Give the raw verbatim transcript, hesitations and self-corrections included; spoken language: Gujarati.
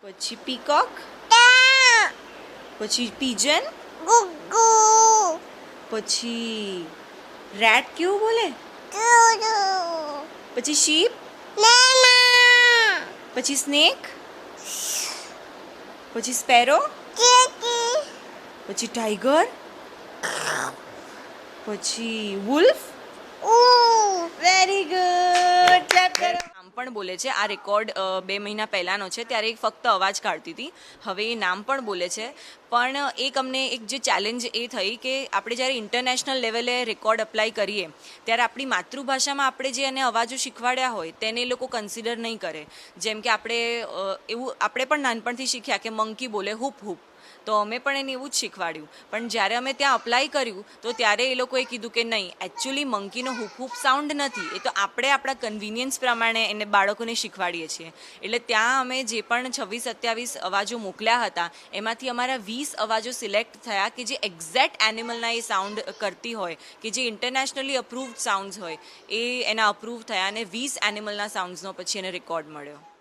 પછી પીકોક, પછી પીજન, પછી રેટ કેવું બોલે, પછી શીપ, પછી સ્નેક, પછી સ્પેરો, પછી ટાઈગર, પછી વુલ્ફ. વેરી ગુડ, ક્લેપ કરો. નામ પણ બોલે છે. આ રેકોર્ડ બે મહિના પહેલાંનો છે, ત્યારે ફક્ત અવાજ કાઢતી હતી. હવે એ નામ પણ બોલે છે. પણ એક અમને એક જે ચેલેન્જ એ થઈ કે આપણે જ્યારે ઇન્ટરનેશનલ લેવલે રેકોર્ડ અપ્લાય કરીએ ત્યારે આપણી માતૃભાષામાં આપણે જે એને અવાજો શીખવાડ્યા હોય તેને એ લોકો કન્સિડર નહીં કરે. જેમ કે આપણે એવું આપણે પણ નાનપણથી શીખ્યા કે મંકી બોલે હૂપ હૂપ, તો અમે પણ એને એવું જ શીખવાડ્યું. પણ જ્યારે અમે ત્યાં અપ્લાય કર્યું તો ત્યારે એ લોકોએ કીધું કે નહીં, એકચ્યુઅલી મંકીનો હૂપ હૂપ સાઉન્ડ નથી, એ તો આપણે આપણા કન્વિનિયન્સ પ્રમાણે એને બાળકોને શીખવાડીએ છીએ. એટલે ત્યાં અમે જે પણ છવ્વીસ સત્યાવીસ અવાજો મોકલ્યા હતા એમાંથી અમારા વીસ અવાજો સિલેક્ટ થયા કે જે એક્ઝેક્ટ એનિમલના એ સાઉન્ડ કરતી હોય, કે જે ઇન્ટરનેશનલી અપ્રૂવ્ડ સાઉન્ડ્સ હોય, એ એના અપ્રૂવ થયા અને વીસ એનિમલના સાઉન્ડ્સનો પછી એને રેકોર્ડ મળ્યો.